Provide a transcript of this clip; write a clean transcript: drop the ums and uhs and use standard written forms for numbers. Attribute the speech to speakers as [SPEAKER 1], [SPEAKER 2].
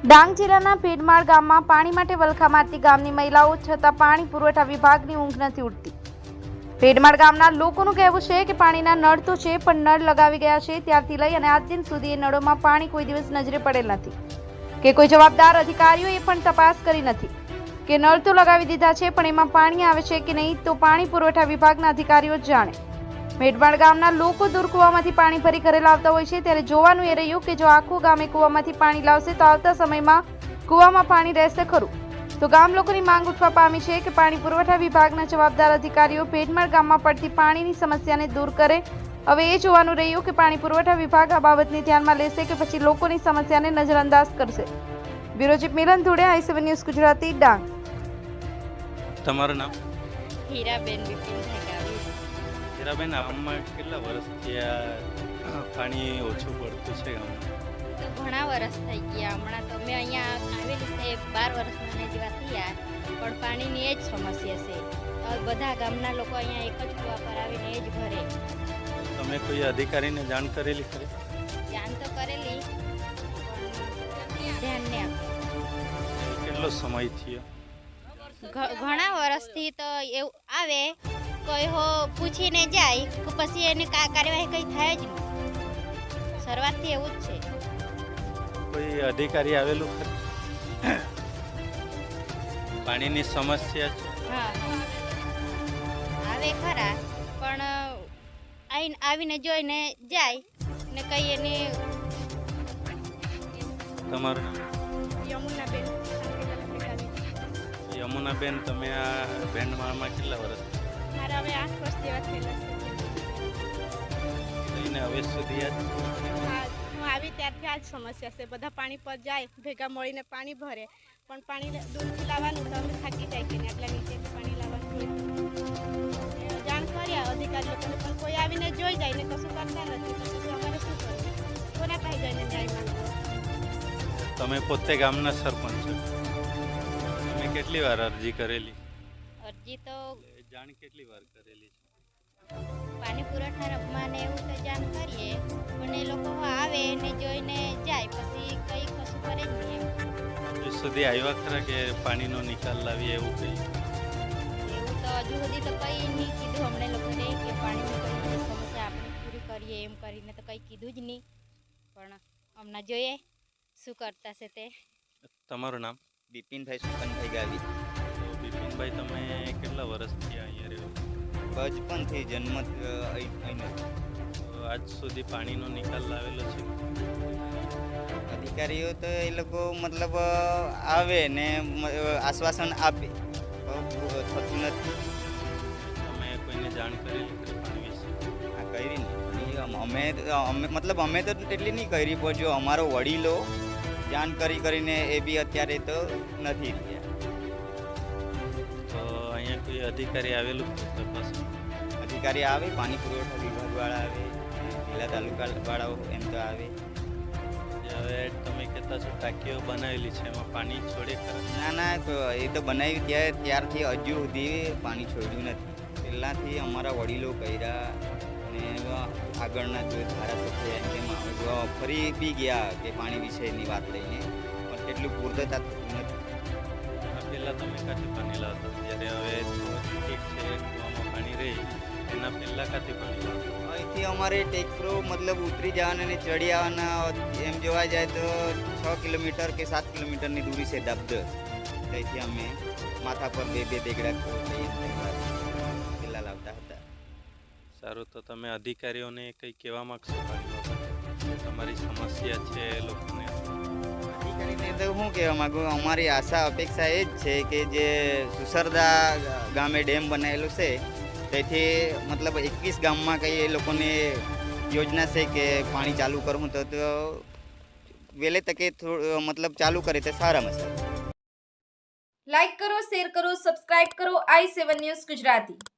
[SPEAKER 1] ડાંગ જિલ્લાના ભેડમાળ ગામમાં પાણી માટે વલખા મારતી ગામની મહિલાઓ છતાં પાણી પુરવઠા વિભાગની ઊંઘ નથી ઉડતી। ભેડમાળ ગામના લોકોનું કહેવું છે કે પાણીના નળ તો છે પણ નળ લગાવી ગયા છે ત્યારથી લઈ અને આજ દિન સુધી એ નળોમાં પાણી કોઈ દિવસ નજરે પડેલ નથી કે કોઈ જવાબદાર અધિકારીઓએ પણ તપાસ કરી નથી કે નળ તો લગાવી દીધા છે પણ એમાં પાણી આવે છે કે નહીં તો પાણી પુરવઠા વિભાગના અધિકારીઓ જ જાણે। ભેડમાળ ગામના લોકો દૂર કૂવામાંથી પાણી ભરી ઘરે લાવતા હોય છે ત્યારે જોવાનું એ રહ્યું કે જો આખું ગામ એ કૂવામાંથી પાણી લાવશે તો આવતા સમયમાં કૂવામાં પાણી રહેશે ખરું। તો ગામ લોકોની માંગ ઉઠવા પામી છે કે પાણી પુરવઠા વિભાગના જવાબદાર અધિકારીઓ ભેડમાળ ગામમાં પડતી પાણીની સમસ્યાને દૂર કરે। હવે એ જોવાનું રહ્યું કે પાણી પુરવઠા વિભાગ આ બાબતને ધ્યાનમાં લેશે કે પછી લોકોની સમસ્યાને નજરઅંદાજ કરશે। Bureau chief Milan Dhode, i7 news Gujarati, Dang.
[SPEAKER 2] તમારું નામ?
[SPEAKER 3] હીરાબેન વિપિનભાઈ ગાવી।
[SPEAKER 2] હીરાબેન, આમાં કેટલા વર્ષથી આ પાણી ઓછું પડતું છે ગામમાં?
[SPEAKER 3] તો ઘણા વર્ષ થઈ ગયા। હમણાં તો મેં અહીંયા આવેલી છે 12 વર્ષના જેવા થયા પણ પાણીની એ જ સમસ્યા છે। બધા ગામના લોકો અહીંયા એક જ કૂવા પર આવીને એ જ ભરે।
[SPEAKER 2] તમે કોઈ અધિકારીને જાણ કરેલી ખરી?
[SPEAKER 3] જાણ તો કરેલી પણ ધ્યાન નહીં આપે।
[SPEAKER 2] કેટલો સમય થયો?
[SPEAKER 3] ઘણા વર્ષથી તો એવું આવે કોઈ હો પૂછીને જાય પછી એની કાર્યવાહી કંઈ થાય જ નહીં। શરૂઆતથી એવું જ છે।
[SPEAKER 2] કોઈ અધિકારી આવેલું ખરું? પાણીની સમસ્યા છે?
[SPEAKER 3] હા, આવે ખરા પણ આવીને જોઈને જાય ને કઈ એની।
[SPEAKER 2] તમારું નામ?
[SPEAKER 3] યમુનાબેન।
[SPEAKER 2] યમુનાબેન, તમે આ ભેડમાળમાં કેટલા વર્ષ?
[SPEAKER 3] મારા હવે 8 વર્ષ જેવા થયેલા છે।
[SPEAKER 2] લઈને હવે સુધી
[SPEAKER 4] હા, હું આવી ત્યારથી આ જ સમસ્યા છે। બધા પાણી પર જાય, ભેગા મળીને પાણી ભરે પણ પાણી દૂરથી લાવવાનું તો અમે થાકી જાય કે આટલા નીચેથી પાણી લાવવાનું હોય। જાણ કર્યા અધિકારી લોકોને પણ કોઈ આવીને જોઈ જાય ને કશું કરતા નથી તો પછી અમારે શું કરવું? કોના પાસે જઈને ન્યાય માંગવો?
[SPEAKER 2] તમે પોતે ગામના સરપંચ છો, તમે કેટલી વાર અરજી કરેલી?
[SPEAKER 3] અરજી તો
[SPEAKER 2] જાણ કેટલી વાર કરેલી છે?
[SPEAKER 3] પાણી પુરવઠામાં ને એવું તો જાણ કરીએ પણ એ લોકો આવે ને જોઈને જાય પછી કંઈ કશું કરે જ નહીં।
[SPEAKER 2] હજુ સુધી આવ્યા ખરા કે પાણીનો નિકાલ લાવીએ એવું કંઈ?
[SPEAKER 3] એવું તો હજુ સુધી તો કંઈ નહીં કીધું અમને લોકોને કે પાણીની કંઈ સમસ્યા આપણે પૂરી કરીએ એમ કરીને તો કંઈ કીધું જ નહીં પણ હમણાં જોઈએ શું કરતા છે તે।
[SPEAKER 2] તમારું નામ?
[SPEAKER 5] બિપિનભાઈ સુકનભાઈ ગાવી।
[SPEAKER 2] તો બિપિનભાઈ, તમે કેટલા વર્ષથી અહીંયા રહ્યો?
[SPEAKER 5] બચપનથી જન્મ અહીં
[SPEAKER 2] તો આજ સુધી પાણીનો નિકાલ લાવેલો છે?
[SPEAKER 5] અધિકારીઓ તો એ લોકો મતલબ આવે ને આશ્વાસન આપે થતું નથી।
[SPEAKER 2] તમે કોઈને જાણ કરેલી ખરી પાણી વિશે?
[SPEAKER 5] આ કરી નહીં અમે મતલબ અમે તો એટલી નહીં કરી પણ જો અમારો વડીલો જાણ કરીને એ બી અત્યારે તો નથી રહ્યા।
[SPEAKER 2] તો અહીંયા કોઈ અધિકારી આવેલું તપાસ?
[SPEAKER 5] અધિકારી આવે, પાણી પુરવઠા વિભાગવાળા આવે, જિલ્લા તાલુકાવાળાઓ એમ તો આવે।
[SPEAKER 2] હવે તમે કહેતા છો ટાંકીઓ બનાવેલી છે, એમાં પાણી છોડે ખરા?
[SPEAKER 5] ના, એ તો બનાવી ત્યારથી હજુ સુધી પાણી છોડ્યું નથી। પહેલાંથી અમારા વડીલો કર્યા અને આગળના જો ધારાસભ્ય એમ ફરી બી ગયા કે પાણી વિશેની વાત લઈને પણ કેટલું પૂર્તતા થતું નથી।
[SPEAKER 2] પહેલાં તમે કાંથી પાણી લાવતા? જ્યારે હવે ઠીક છે કૂવામાં પાણી રહે એના પહેલાં કાંથી પાણી લાવતા?
[SPEAKER 5] અહીંથી અમારે ટેકરો મતલબ ઉતરી જવાના અને ચડી આવવાના એમ જોવા જાય તો 6 કિલોમીટર કે 7 કિલોમીટરની દૂરી છે દાબદર। ત્યાંથી અમે માથા પર બે દેગડા પેલા લાવતા હતા।
[SPEAKER 2] સારું, તો તમે અધિકારીઓને કંઈ કહેવા માગશો પાણી બાબતે? તમારી સમસ્યા છે એ લોકોને?
[SPEAKER 5] અધિકારીને તો શું કહેવા માગું, અમારી આશા અપેક્ષા એ જ છે કે જે સુસરદા ગામે ડેમ બનાવેલો છે તેથી મતલબ 21 ગામમાં કંઈ એ લોકોને યોજના છે કે પાણી ચાલુ કરવું તો વહેલે તકે મતલબ ચાલુ કરે તો સારામાં સારું।
[SPEAKER 1] લાઈક કરો, શેર કરો, સબસ્ક્રાઇબ કરો i7 ન્યૂઝ ગુજરાતી।